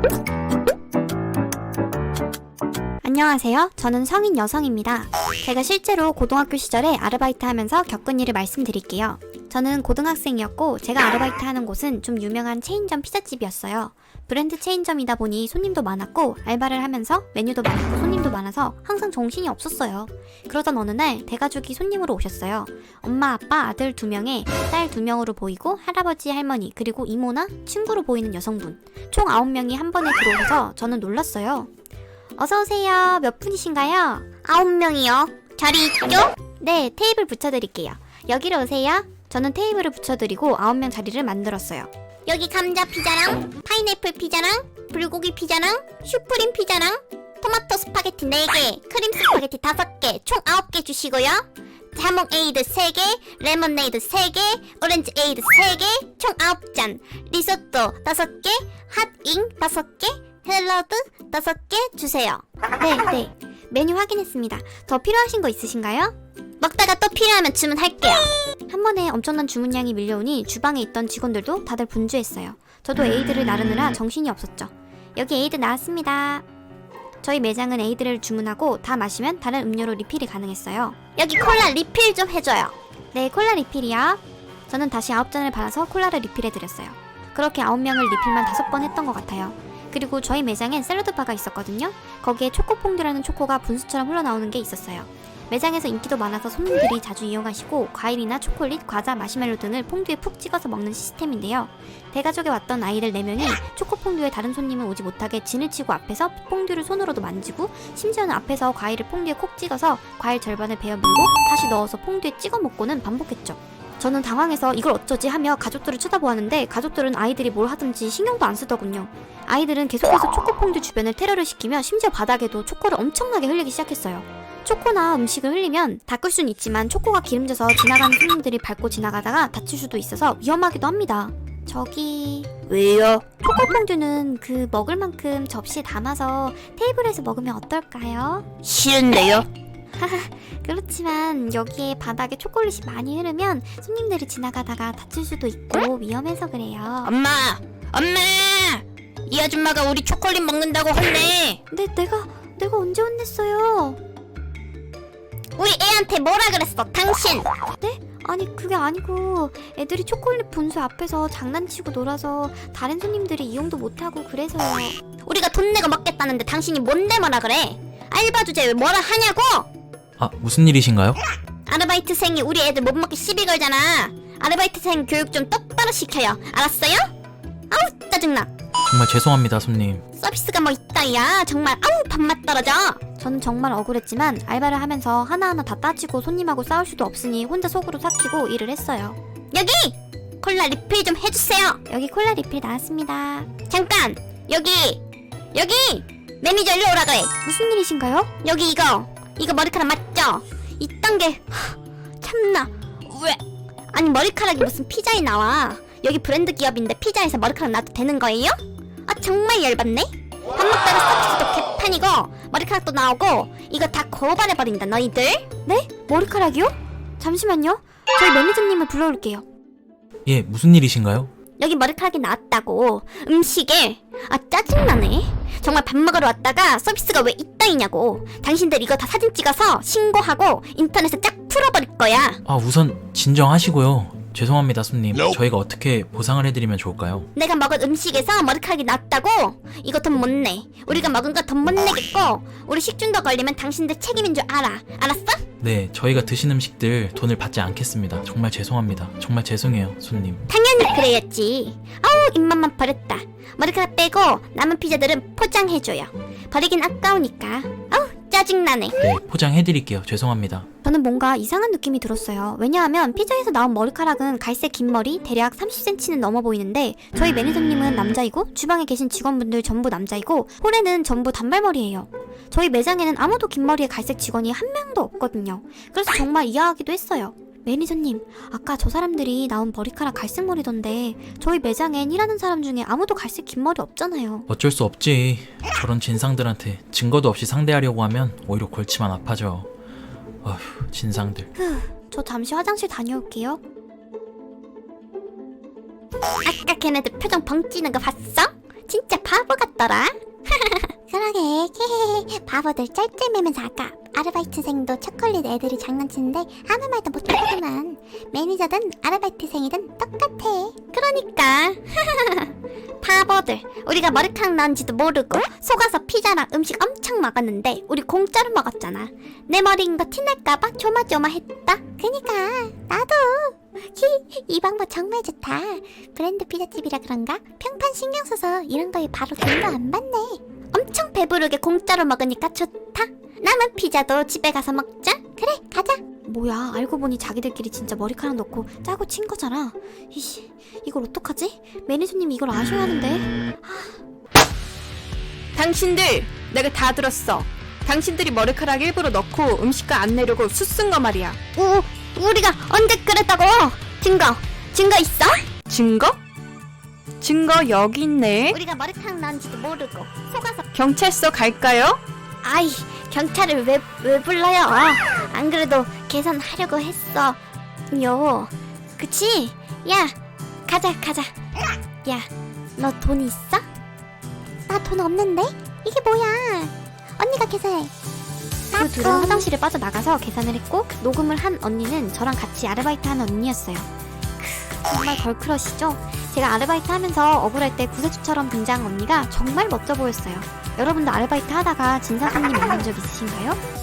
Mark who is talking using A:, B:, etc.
A: 안녕하세요. 저는 성인 여성입니다. 제가 실제로 고등학교 시절에 아르바이트 하면서 겪은 일을 말씀드릴게요. 저는 고등학생이었고 제가 아르바이트 하는 곳은 좀 유명한 체인점 피자집이었어요. 브랜드 체인점이다 보니 손님도 많았고 알바를 하면서 메뉴도 많고 손님도 많아서 항상 정신이 없었어요. 그러던 어느 날 대가족이 손님으로 오셨어요. 엄마, 아빠, 아들 2명에 딸 2명으로 보이고 할아버지, 할머니, 그리고 이모나 친구로 보이는 여성분. 총 9명이 한 번에 들어오셔서 저는 놀랐어요. 어서오세요. 몇 분이신가요? 9명이요. 자리 있죠? 네, 테이블 붙여드릴게요. 여기로 오세요. 저는 테이블을 붙여드리고 9명 자리를 만들었어요. 여기 감자 피자랑 파인애플 피자랑 불고기 피자랑 슈프림 피자랑 토마토 스파게티 4개, 크림 스파게티 5개, 총 9개 주시고요. 자몽 에이드 3개, 레모네이드 3개, 오렌지 에이드 3개, 총 9잔, 리소또 5개, 핫잉 5개, 샐러드 5개 주세요. 네. 메뉴 확인했습니다. 더 필요하신 거 있으신가요? 먹다가 또 필요하면 주문할게요. 한 번에 엄청난 주문량이 밀려오니 주방에 있던 직원들도 다들 분주했어요. 저도 에이드를 나르느라 정신이 없었죠. 여기 에이드 나왔습니다. 저희 매장은 에이드를 주문하고 다 마시면 다른 음료로 리필이 가능했어요. 여기 콜라 리필 좀 해줘요. 네, 콜라 리필이요. 저는 다시 9잔을 받아서 콜라를 리필해드렸어요. 그렇게 9명을 리필만 5번 했던 것 같아요. 그리고 저희 매장엔 샐러드바가 있었거든요. 거기에 초코퐁듀라는 초코가 분수처럼 흘러나오는 게 있었어요. 매장에서 인기도 많아서 손님들이 자주 이용하시고 과일이나 초콜릿, 과자, 마시멜로 등을 퐁듀에 푹 찍어서 먹는 시스템인데요. 대가족에 왔던 아이들 4명이 초코퐁듀에 다른 손님은 오지 못하게 진을 치고 앞에서 퐁듀를 손으로도 만지고 심지어는 앞에서 과일을 퐁듀에 콕 찍어서 과일 절반을 베어 물고 다시 넣어서 퐁듀에 찍어 먹고는 반복했죠. 저는 당황해서 이걸 어쩌지 하며 가족들을 쳐다보았는데 가족들은 아이들이 뭘 하든지 신경도 안 쓰더군요. 아이들은 계속해서 초코퐁듀 주변을 테러를 시키며 심지어 바닥에도 초코를 엄청나게 흘리기 시작했어요. 초코나 음식을 흘리면 닦을 수는 있지만 초코가 기름져서 지나가는 손님들이 밟고 지나가다가 다칠 수도 있어서 위험하기도 합니다. 저기...
B: 왜요?
A: 초코퐁듀는 그 먹을 만큼 접시에 담아서 테이블에서 먹으면 어떨까요?
B: 싫은데요?
A: 그렇지만 여기에 바닥에 초콜릿이 많이 흐르면 손님들이 지나가다가 다칠 수도 있고 위험해서 그래요.
B: 엄마! 이 아줌마가 우리 초콜릿 먹는다고 혼내!
A: 근데 내가 언제 혼냈어요?
B: 우리 애한테 뭐라 그랬어, 당신!
A: 네? 아니 그게 아니고 애들이 초콜릿 분수 앞에서 장난치고 놀아서 다른 손님들이 이용도 못하고 그래서요.
B: 우리가 돈 내고 먹겠다는데 당신이 뭔데 뭐라 그래? 알바 주제에 왜 뭐라 하냐고!
C: 아, 무슨 일이신가요?
B: 아르바이트생이 우리 애들 못 먹게 시비 걸잖아. 아르바이트생 교육 좀 똑바로 시켜요. 알았어요? 아우 짜증나.
C: 정말 죄송합니다, 손님.
B: 서비스가 뭐 있다 야. 정말 아우 밥맛 떨어져.
A: 저는 정말 억울했지만 알바를 하면서 하나하나 다 따지고 손님하고 싸울 수도 없으니 혼자 속으로 삭히고 일을 했어요.
B: 여기! 콜라 리필 좀 해주세요.
A: 여기 콜라 리필 나왔습니다.
B: 잠깐! 여기! 매니저 일로 오라 그래.
A: 무슨 일이신가요?
B: 여기 이거 머리카락 맞죠? 이딴 게 참나. 왜? 아니 머리카락이 무슨 피자에 나와. 여기 브랜드 기업인데 피자에서 머리카락 놔도 되는 거예요? 아 정말 열받네. 밥 먹다가 서비스도 개판이고 머리카락도 나오고 이거 다 고발해버린다 너희들.
A: 네? 머리카락이요? 잠시만요. 저희 매니저님을 불러올게요.
C: 예, 무슨 일이신가요?
B: 여기 머리카락이 나왔다고 음식에. 아 짜증나네. 정말 밥 먹으러 왔다가 서비스가 왜 이따위냐고. 당신들 이거 다 사진 찍어서 신고하고 인터넷에 쫙 풀어버릴 거야.
C: 아, 우선 진정하시고요. 죄송합니다, 손님. 저희가 어떻게 보상을 해드리면 좋을까요?
B: 내가 먹은 음식에서 머리카락이 났다고? 이거 돈 못 내. 우리가 먹은 거 돈 못 내겠고 우리 식중독 걸리면 당신들 책임인 줄 알아. 알았어?
C: 네, 저희가 드신 음식들 돈을 받지 않겠습니다. 정말 죄송합니다. 정말 죄송해요, 손님.
B: 당연히 그래야지. 아우 입맛만 버렸다. 머리카락 빼고 남은 피자들은 포장해줘요. 버리긴 아까우니까. 아우 짜증나네.
C: 네, 포장해드릴게요. 죄송합니다.
A: 저는 뭔가 이상한 느낌이 들었어요. 왜냐하면 피자에서 나온 머리카락은 갈색 긴 머리 대략 30cm는 넘어 보이는데 저희 매니저님은 남자이고 주방에 계신 직원분들 전부 남자이고 홀에는 전부 단발머리예요. 저희 매장에는 아무도 긴 머리의 갈색 직원이 한 명도 없거든요. 그래서 정말 이해하기도 했어요. 매니저님, 아까 저 사람들이 나온 머리카락 갈색 머리던데 저희 매장엔 일하는 사람 중에 아무도 갈색 긴 머리 없잖아요.
C: 어쩔 수 없지. 저런 진상들한테 증거도 없이 상대하려고 하면 오히려 골치만 아파져. 어휴, 진상들.
A: 저 잠시 화장실 다녀올게요.
B: 아까 걔네들 표정 벙찌는 거 봤어? 진짜 바보 같더라.
A: 그러게 바보들 쩔쩔매면서 아까 아르바이트생도 초콜릿 애들이 장난치는데 아무 말도 못하더만. 매니저든 아르바이트생이든 똑같아.
B: 그러니까 바보들. 우리가 머리카락 나온지도 모르고 속아서 피자랑 음식 엄청 먹었는데 우리 공짜로 먹었잖아. 내 머리인 거 티날까봐 조마조마했다.
A: 그니까 나도 이 방법 정말 좋다. 브랜드 피자집이라 그런가 평판 신경 써서 이런 거에 바로 돈도 안 받네.
B: 엄청 배부르게 공짜로 먹으니까 좋다. 남은 피자도 집에 가서 먹자.
A: 그래 가자.
B: 뭐야, 알고 보니 자기들끼리 진짜 머리카락 넣고 짜고 친 거잖아. 이씨, 이걸 어떡하지? 매니저님이 이걸 아셔야 하는데.
D: 당신들 내가 다 들었어. 당신들이 머리카락 일부러 넣고 음식과 안 내려고 수쓴 거 말이야.
B: 우리가 언제 그랬다고? 증거 있어?
D: 증거? 증거 여기 있네.
B: 우리가 머리카락 나온지도 모르고 속아서.
D: 경찰서 갈까요?
B: 아이, 경찰을 왜 불러요? 안 그래도 계산하려고 했어. 요, 그치? 야, 가자. 야, 너 돈 있어?
A: 나 돈 없는데? 이게 뭐야? 언니가 계산해.
B: 그 둘은 화장실에 빠져나가서 계산을 했고 녹음을 한 언니는 저랑 같이 아르바이트 하는 언니였어요. 정말 걸크러시죠? 제가 아르바이트 하면서 억울할 때 구세주처럼 등장한 언니가 정말 멋져 보였어요. 여러분도 아르바이트 하다가 진상 손님 만난 적 있으신가요?